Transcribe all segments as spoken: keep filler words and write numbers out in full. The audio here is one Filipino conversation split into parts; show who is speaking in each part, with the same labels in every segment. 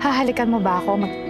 Speaker 1: Hahalikan mo ba ako? Mag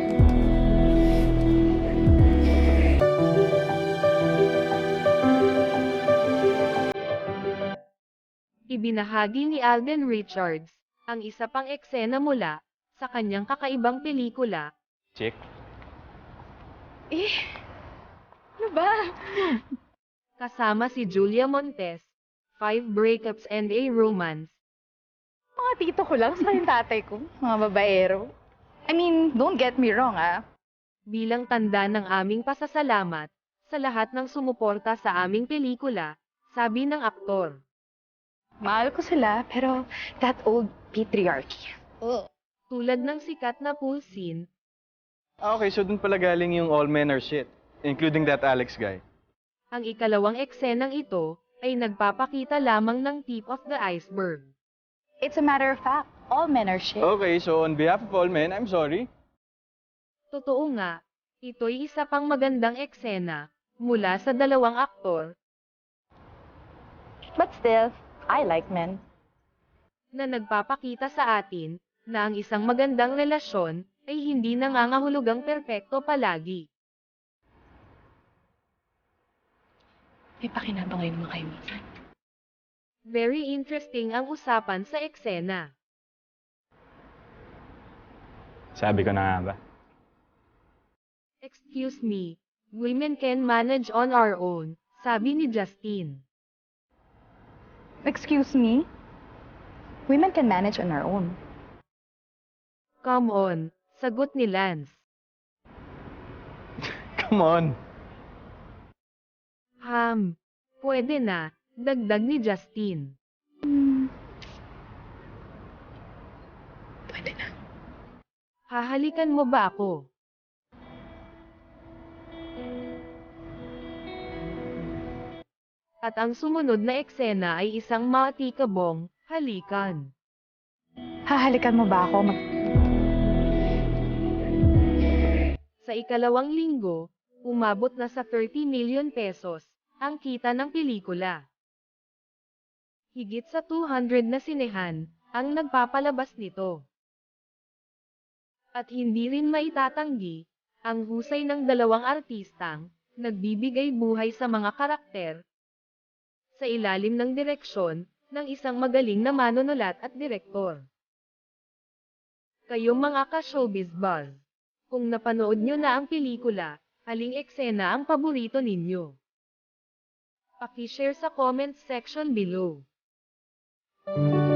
Speaker 2: Ibinahagi ni Alden Richards ang isa pang eksena mula sa kanyang kakaibang pelikula.
Speaker 3: Chick?
Speaker 1: Eh, ano ba?
Speaker 2: Kasama si Julia Montes, Five Breakups and a Romance.
Speaker 1: Mga tito ko lang sa yung tatay ko. Mga babaero. I mean, don't get me wrong, ah.
Speaker 2: Bilang tanda ng aming pasasalamat sa lahat ng sumuporta sa aming pelikula, sabi ng aktor.
Speaker 1: Mahal ko sila, pero that old patriarchy. Ugh.
Speaker 2: Tulad ng sikat na pool scene,
Speaker 3: Ah, okay, so dun pala galing yung all men are shit. Including that Alex guy.
Speaker 2: ang ikalawang eksenang ito ay nagpapakita lamang ng tip of the iceberg.
Speaker 1: It's a matter of fact, all men are shit.
Speaker 3: Okay, so on behalf of all men, I'm sorry.
Speaker 2: Totoo nga, ito'y isa pang magandang eksena mula sa dalawang aktor
Speaker 1: But still, I like men.
Speaker 2: na nagpapakita sa atin na ang isang magandang relasyon ay hindi nangangahulugang perpekto palagi.
Speaker 1: May pakinabang kayo naman kayo minsan.
Speaker 2: Very interesting ang usapan sa eksena.
Speaker 3: Sabi ko na nga ba?
Speaker 2: Excuse me, women can manage on our own, sabi ni Justin.
Speaker 1: Excuse me? Women can manage on our own.
Speaker 2: Come on, sagot ni Lance.
Speaker 3: Come on.
Speaker 2: Ham, pwede na, dagdag ni Justin.
Speaker 1: Hmm. Pwede na.
Speaker 2: Hahalikan mo ba ako? At ang sumunod na eksena ay isang maatikabong halikan.
Speaker 1: Hahalikan mo ba ako? Mag
Speaker 2: Sa ikalawang linggo, umabot na sa thirty million pesos ang kita ng pelikula. Higit sa two hundred na sinehan ang nagpapalabas nito. At hindi rin maitatanggi ang husay ng dalawang artistang nagbibigay buhay sa mga karakter sa ilalim ng direksyon ng isang magaling na manunulat at direktor. Kayong mga ka-showbiz buzz, kung napanood nyo na ang pelikula, aling eksena ang paborito ninyo? Paki-share sa comment section below.